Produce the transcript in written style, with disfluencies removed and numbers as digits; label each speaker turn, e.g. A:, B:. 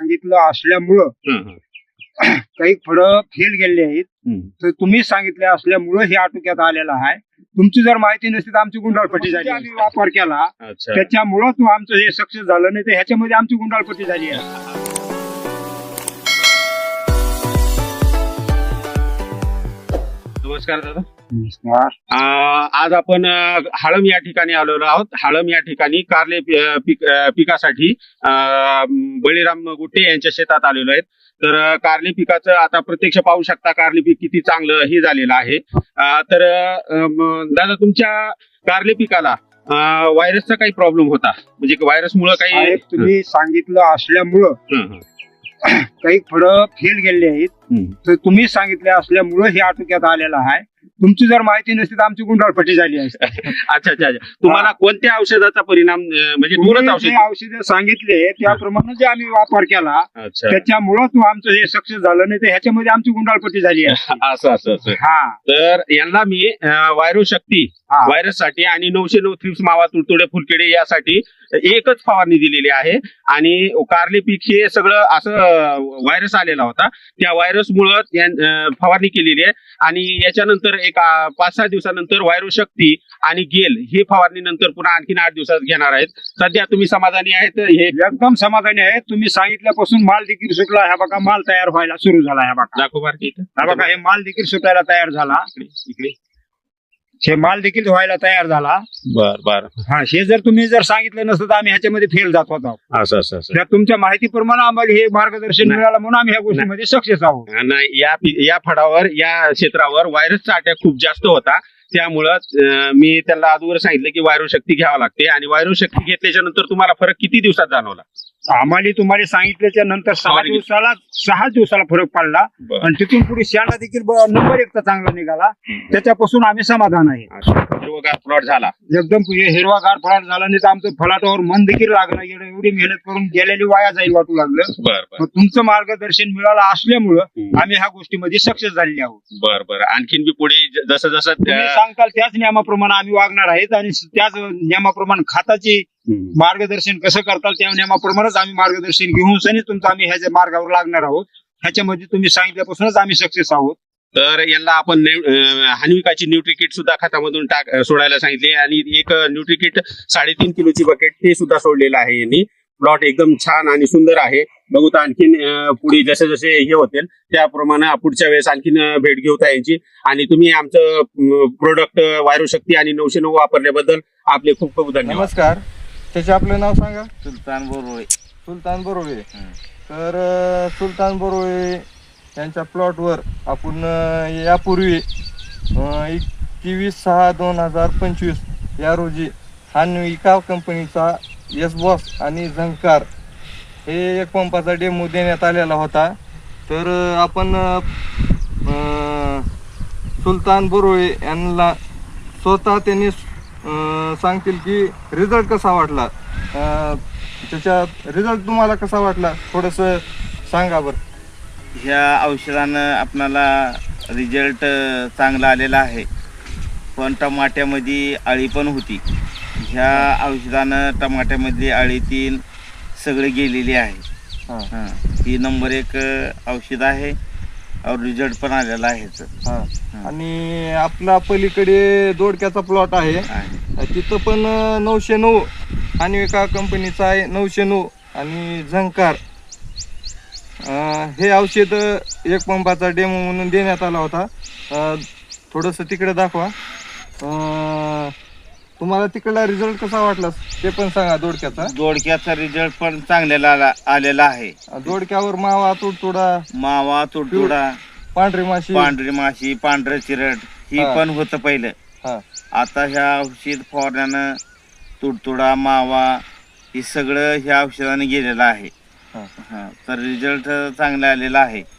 A: सांगितलं असल्यामुळं काही फळं फेल गेलेली आहेत, तर तुम्ही सांगितले असल्यामुळं हे आटोक्यात आलेलं आहे. तुमची जर माहिती नसती तर आमची गुंडाळपट्टी झाली. आम्ही वापर केला त्याच्यामुळं तो आमचं हे सक्सेस झालं, नाही तर ह्याच्यामध्ये आमची गुंडाळपट्टी झाली आहे.
B: नमस्कार दादा.
A: नमस्कार.
B: आज आपण हाळम या ठिकाणी आलेलो आहोत. हाळम या ठिकाणी कारले पिकासाठी बळीराम गुट्टे यांच्या शेतात आलेलो आहेत. तर कारली पिकाचं आता प्रत्यक्ष पाहू शकता, कारली पीक किती चांगलं हे झालेलं आहे. तर दादा, तुमच्या कारली पिकाला व्हायरसचा काही प्रॉब्लेम होता, म्हणजे व्हायरस मुळे काही
A: तुम्ही सांगितलं असल्यामुळं काही फळं फेल गेलेली आहेत, तर तुम्ही सांगितले असल्यामुळं हे आटोक्यात आलेलं आहे. तुमची जर माहिती नसती तर आमची गुंडाळपट्टी झाली असते.
B: अच्छा अच्छा अच्छा. तुम्हाला कोणत्या औषधाचा परिणाम, म्हणजे
A: औषध सांगितले त्याप्रमाणे जे आम्ही वापर केला त्याच्यामुळं तो आमचं हे सक्सेस झालं, नाही तर ह्याच्यामध्ये आमची गुंडाळपट्टी झाली आहे.
B: असं असं असं. तर यांना मी व्हायरस शक्ती व्हायरस साठी आणि 909 थ्रिप्स, मावा, तुडतुडे, फुलकिडे यासाठी एकच फवारणी दिलेली आहे. आणि कारली पीक हे सगळं असं व्हायरस आलेला होता, त्या व्हायरस मुळे फवारणी केलेली आहे. आणि याच्यानंतर एक 5-6 दिवसानंतर व्हायरस शक्ती आणि गेल ही फवारणी नंतर पुन्हा आणखीन 8 दिवसात घेणार आहेत. सध्या तुम्ही समाधानी आहेत? हे
A: एकदम समाधानी आहे. तुम्ही सांगितल्यापासून माल देखील सुटला. ह्या बघा, माल तयार व्हायला सुरू झाला. ह्या बघा, ह्या बघा, हे माल देखील सुटायला तयार झाला.
B: इकडे
A: हे माल देखील व्हायला तयार झाला.
B: बर.
A: हे जर तुम्ही सांगितलं नसतं तर आम्ही ह्याच्यामध्ये फेल जात होतो.
B: असं असं असं.
A: तुमच्या माहितीप्रमाणे आम्हाला हे मार्गदर्शन मिळालं म्हणून आम्ही ह्या गोष्टीमध्ये सक्सेस आहोत.
B: नाही, या फळावर, या क्षेत्रावर व्हायरसचा अटॅक खूप जास्त होता. त्यामुळं मी त्यांना अगोदर सांगितलं की व्हायरस शक्ती घ्यावं लागते. आणि व्हायरस शक्ती घेतल्याच्या नंतर तुम्हाला फरक किती दिवसात जाणवला?
A: आम्हाला तुम्हाला सांगितल्याच्या नंतर 6 दिवसाला फरक पडला. आणि तिथून पुढे शेंडा देखील नंबर 1 चांगला निघाला. त्याच्यापासून आम्ही समाधान आहे.
B: हिरवागार प्लॉट झाला,
A: एकदम हिरवागार प्लॉट झाला. नाही तर आमचं फलाटावर मन देखील लागलं. एवढी मेहनत करून गेलेली वाया जाईल वाटू लागलं. तुमचं मार्गदर्शन मिळालं असल्यामुळं आम्ही ह्या गोष्टीमध्ये सक्सेस झालेली आहोत.
B: बरं. आणखीन बी पुढे जसं जसं
A: सांगताल त्याच नियमाप्रमाणे आम्ही वागणार आहेत. आणि त्याच नियमाप्रमाणे खताची मार्गदर्शन कसं करताल त्या नियमाप्रमाणेच आम्ही मार्गदर्शन घेऊन सनी तुमचं आम्ही ह्याच्या मार्गावर लागणार आहोत. ह्याच्यामध्ये तुम्ही सांगितल्यापासूनच आम्ही सक्सेस आहोत.
B: तर यांना आपण हानिविकाची न्यूट्रिकिट सुद्धा खतामधून सोडायला सांगितले. आणि एक न्यूट्रिकिट 3.5 किलोची बकेट ते सुद्धा सोडलेलं आहे यांनी. प्लॉट एकदम छान आणि सुंदर आहे. बघू तर आणखीन पुढे जसे जसे हे होतील त्याप्रमाणे पुढच्या वेळेस आणखीन भेट घेऊ यांची. आणि तुम्ही आमचं प्रोडक्ट व्हायरस शक्ती आणि 909 वापरल्याबद्दल आपले खूप खूप धन्यवाद.
C: नमस्कार. त्याचे आपलं नाव सांगा.
D: सुलतान बोरोळे.
C: सुलतान बोरोळे. तर सुलतान बोरोळे यांच्या प्लॉटवर आपण यापूर्वी 21/6/2025 या रोजी हानविका कंपनीचा यस-बॉस आणि झंकार हे एक पंपाचा डेमो देण्यात आलेला होता. तर आपण सुलतान बोरोळे यांना स्वतः त्यांनी सांगतील की रिझल्ट कसा वाटला, त्याच्या रिझल्ट तुम्हाला कसा वाटला थोडंसं सांगा बरं.
D: ह्या औषधानं आपणाला रिझल्ट चांगला आलेला आहे. पण टमाट्यामध्ये अळी पण होती. ह्या औषधानं टमाट्यामधली अळी 3 सगळे गेलेली आहे. ही नंबर 1 औषध आहे. और रिझल्ट पण आलेला आहे.
C: आणि आपला पलीकडे दोडक्याचा प्लॉट आहे, तिथं पण 909 हानविका कंपनीचा आहे. 909 आणि झंकार हे औषध एक पंपाचा डेमो म्हणून देण्यात आला होता. थोडंसं तिकडे दाखवा. तुम्हाला तिकडला रिझल्ट कसा वाटला ते पण सांगा.
D: दोडक्याचा रिझल्ट पण चांगला आलेला आहे.
C: दोडक्यावर मावा तुडतुडा, पांढरी माशी,
D: पांढरं चिरट ही पण होतं पहिलं. आता ह्या औषध फवारण्यानं तुडतुडा, मावा हे सगळं ह्या औषधाने गेलेलं आहे. तर रिझल्ट चांगला आलेला आहे.